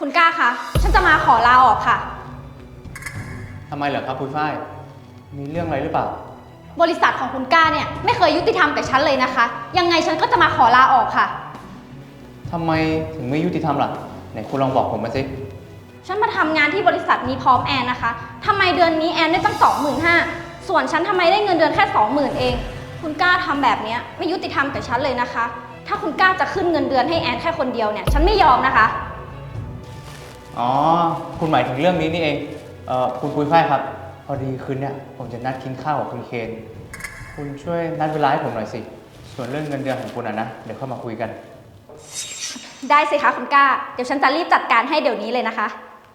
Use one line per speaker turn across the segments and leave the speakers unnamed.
คุณกล้าคะฉันจะมาขอลาออกค่ะ
ทำไมเหรอครับคุณฝ้ายมีเรื่องอะไรหรือเปล่า
บริษัทของคุณกล้าเนี่ยไม่เคยยุติธรรมกับฉันเลยนะคะยังไงฉันก็จะมาขอลาออกค่ะ
ทำไมถึงไม่ยุติธรรมล่ะไหนคุณลองบอกผมมาสิ
ฉันมาทำงานที่บริษัทนี้พร้อมแอนนะคะทำไมเดือนนี้แอนได้ตั้ง25,000ส่วนฉันทำไมได้เงินเดือนแค่20,000เองคุณกล้าทำแบบนี้ไม่ยุติธรรมกับฉันเลยนะคะถ้าคุณกล้าจะขึ้นเงินเดือนให้แอนแค่คนเดียวเนี่ยฉันไม่ยอมนะคะ
อ๋อคุณหมายถึงเรื่องนี้นี่เองคุณปุ้ยฝ้ายครับพอดีคืนเนี่ยผมจะนัดกินข้าวกับคุณเคนคุณช่วยนัดเวลาให้ผมหน่อยสิส่วนเรื่องเงินเดือนของคุณนะเดี๋ยวเข้ามาคุยกัน
ได้สิคะคุณกล้าเดี๋ยวฉันจะรีบจัดการให้เดี๋ยวนี้เลยนะคะ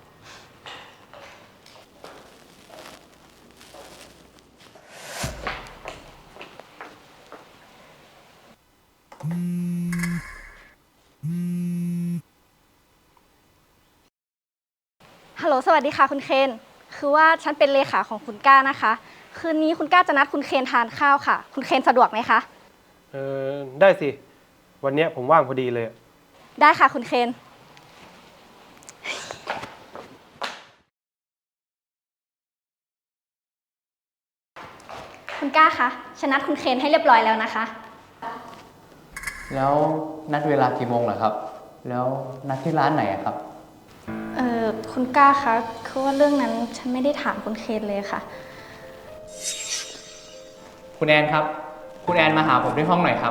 ฮัลโหลสวัสดีค่ะคุณเคนคือว่าฉันเป็นเลขาของคุณกล้านะคะคืนนี้คุณกล้าจะนัดคุณเคนทานข้าวค่ะคุณเคนสะดวกไหมคะ
ได้สิวันเนี้ยผมว่างพอดีเลย
ได้ค่ะคุณเคนคุณกล้าคะฉันนัดคุณเคนให้เรียบร้อยแล้วนะคะ
แล้วนัดเวลากี่โมงเหรอครับแล้วนัดที่ร้านไหนอะครับ
คุณกล้าคะคือว่าเรื่องนั้นฉันไม่ได้ถามคุณเคนเลยค่ะ
คุณแอนครับคุณแอนมาหาผมที่ห้องหน่อยครับ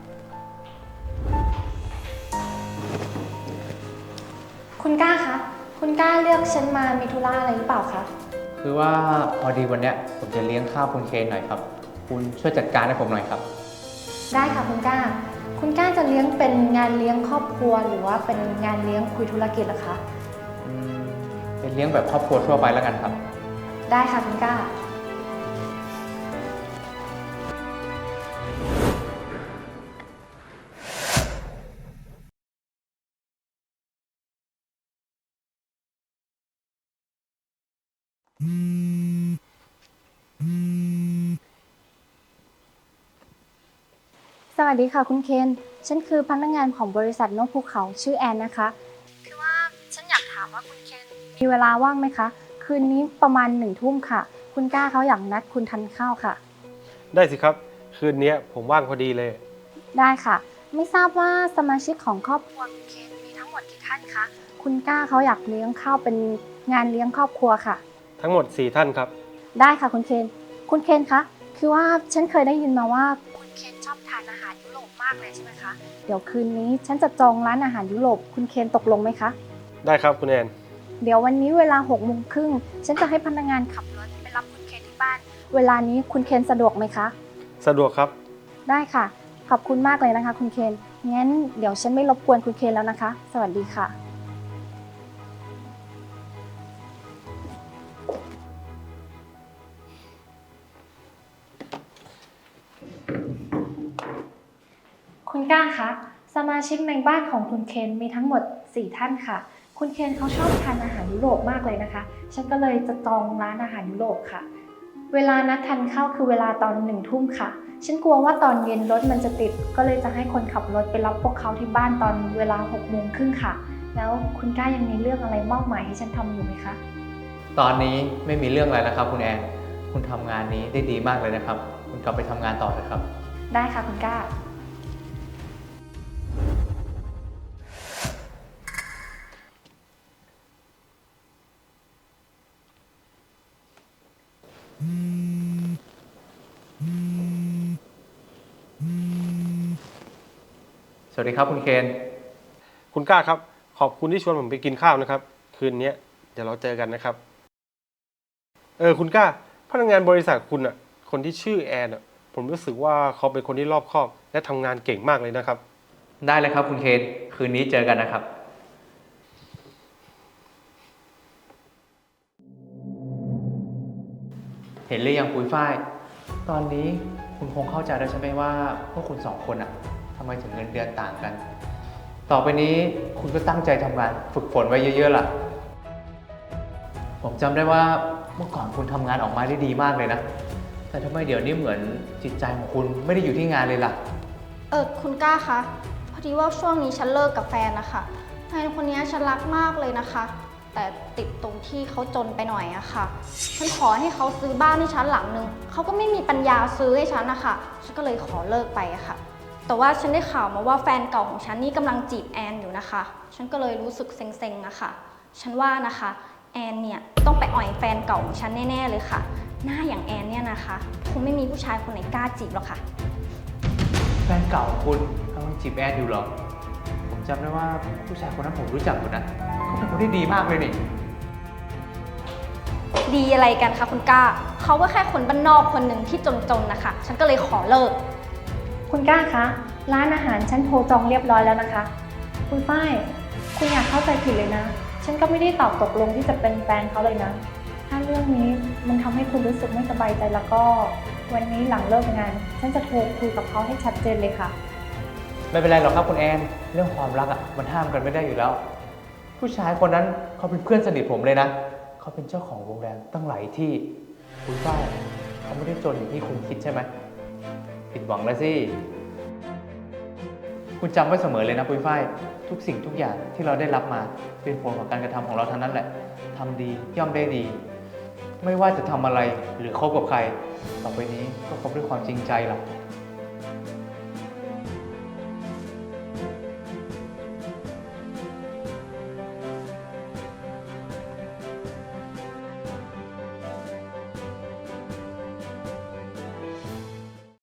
คุณกล้าคะ คุณกล้าเลือกฉันมามีธุระอะไรหรือเปล่าคะ
คือว่าพอดีวันเนี้ยผมจะเลี้ยงข้าวคุณเคนหน่อยครับคุณช่วยจัดการให้ผมหน่อยครับ
ได้ค่ะคุณกล้า คุณกล้าจะเลี้ยงเป็นงานเลี้ยงครอบครัวหรือว่าเป็นงานเลี้ยงคุยธุรกิจเหรอคะ
เป็นเลี้ยงแบบครอบครัวทั่วไปแล้วกันครับ
ได้ค่ะคุณกล้า สวัสดีค่ะคุณเคน ฉันคือพนักงานของบริษัทนกภูเขาชื่อแอนนะคะคือว่าฉันอยากถามว่าคุณเคนมีเวลาว่างไหมคะ คืนนี้ประมาณ1 ทุ่มค่ะ คุณกล้าเขาอยากนัดคุณทานข้าวค่ะ
ได้สิครับคืนนี้ผมว่างพอดีเลย
ได้ค่ะ ไม่ทราบว่าสมาชิกของครอบครัวคุณเคนมีทั้งหมดกี่ท่านคะคุณกล้าเขาอยากเลี้ยงข้าวเป็นงานเลี้ยงครอบครัวค่ะ
ทั้งหมด4ท่านครับ
ได้ค่ะคุณเคนคุณเคนคะคือว่าฉันเคยได้ยินมาว่าคุณเคนชอบทานอาหารยุโรปมากเลยใช่ไหมคะเดี๋ยวคืนนี้ฉันจะจองร้านอาหารยุโรปคุณเคนตกลงไหมคะ
ได้ครับคุณแอน
เดี๋ยววันนี้เวลา6 โมงครึ่งฉันจะให้พนักงานขับรถไปรับคุณเคนที่บ้านเวลานี้คุณเคนสะดวกไหมคะ
สะดวกครับ
ได้ค่ะขอบคุณมากเลยนะคะคุณเคนงั้นเดี๋ยวฉันไม่รบกวนคุณเคนแล้วนะคะสวัสดีค่ะคุณก้าคะสมาชิกในบ้านของคุณเคนมีทั้งหมด4ท่านค่ะคุณเคนเขาชอบทานอาหารยุโรปมากเลยนะคะฉันก็เลยจะจองร้านอาหารยุโรปค่ะเวลานัดทานข้าวคือเวลาตอน1 ทุ่มค่ะฉันกลัวว่าตอนเย็นรถมันจะติดก็เลยจะให้คนขับรถไปรับพวกเขาที่บ้านตอนเวลา6 โมงครึ่งค่ะแล้วคุณก้ายังมีเรื่องอะไรมอบหมายให้ฉันทำอยู่ไหมคะ
ตอนนี้ไม่มีเรื่องอะไรแล้วครับคุณแอนคุณทำงานนี้ได้ดีมากเลยนะครับคุณกลับไปทำงานต่อเลยครับ
ได้ค่ะคุณก้า
สวัสดีครับคุณเคน
คุณกล้าครับขอบคุณที่ชวนผมไปกินข้าวนะครับคืนนี้เดี๋ยวเราเจอกันนะครับคุณกล้าพนักงานบริษัทคุณอ่ะคนที่ชื่อแอนอ่ะผมรู้สึกว่าเขาเป็นคนที่รอบคอบและทำงานเก่งมากเลยนะครับ
ได้เลยครับคุณเคนคืนนี้เจอกันนะครับเห็นหรือยังปุ้ยฝ้ายตอนนี้คุณคงเข้าใจแล้วใช่ไหมว่าพวกคุณสองคนอะทำไมถึงเงินเดือนต่างกันต่อไปนี้คุณก็ตั้งใจทำงานฝึกฝนไว้เยอะๆล่ะผมจำได้ว่าเมื่อก่อนคุณทำงานออกมาได้ดีมากเลยนะแต่ทำไมเดี๋ยวนี้เหมือนจิตใจของคุณไม่ได้อยู่ที่งานเลยล่ะ
คุณกล้าคะพอดีว่าช่วงนี้ฉันเลิกกับแฟนนะคะแฟนคนนี้ฉันรักมากเลยนะคะ แต่ติดตรงที่เขาจนไปหน่อยอะค่ะ ฉันขอให้เขาซื้อบ้านให้ฉันหลังนึงเขาก็ไม่มีปัญญาซื้อให้ฉันนะคะฉันก็เลยขอเลิกไปอะค่ะ แต่ว่าฉันได้ข่าวมาว่าแฟนเก่าของฉันนี่กำลังจีบแอนอยู่นะคะ ฉันก็เลยรู้สึกเซ็งๆอะค่ะ ฉันว่านะคะแอนเนี่ยต้องไปอ่อยแฟนเก่าของฉันแน่ๆเลยค่ะ หน้าอย่างแอนเนี่ยนะคะคงไม่มีผู้ชายคนไหนกล้าจีบหรอกค่ะ
แฟนเก่าของคุณกำลังจีบแอนอยู่เหรอ ผมจำได้ว่าผู้ชายคนนั้นผมรู้จักอยู่นะเขาเป็นคนที่ดีมากเลยนี่
ดีอะไรกันคะคุณก้า เขาก็แค่คนบ้านนอกคนหนึ่งที่จนๆนะคะ ฉันก็เลยขอเลิก
คุณก้าคะ ร้านอาหารฉันโทรจองเรียบร้อยแล้วนะคะ คุณฝ้าย คุณอยากเข้าใจผิดเลยนะ ฉันก็ไม่ได้ตอบตกลงที่จะเป็นแฟนเขาเลยนะ ถ้าเรื่องนี้มันทำให้คุณรู้สึกไม่สบายใจแล้วก็ วันนี้หลังเลิกงาน ฉันจะโทรคุยกับเขาให้ชัดเจนเลยค่ะ
ไม่เป็นไรหรอกครับคุณแอน เรื่องความรักอ่ะมันห้ามกันไม่ได้อยู่แล้ว ผู้ชายคนนั้นเขาเป็นเพื่อนสนิทผมเลยนะ เขาเป็นเจ้าของโรงแรมตั้งหลายที่ คุณฝ้ายเขาไม่ได้จนอย่างที่คุณคิดใช่ไหม ผิดหวังแล้วสิ คุณจำไว้เสมอเลยนะปุ้ยฝ้าย ทุกสิ่งทุกอย่างที่เราได้รับมาเป็นผลของการกระทำของเราทั้งนั้นแหละทำดีย่อมได้ดี ไม่ว่าจะทำอะไรหรือคบกับใคร ต่อไปนี้ก็คบด้วยความจริงใจล่ะ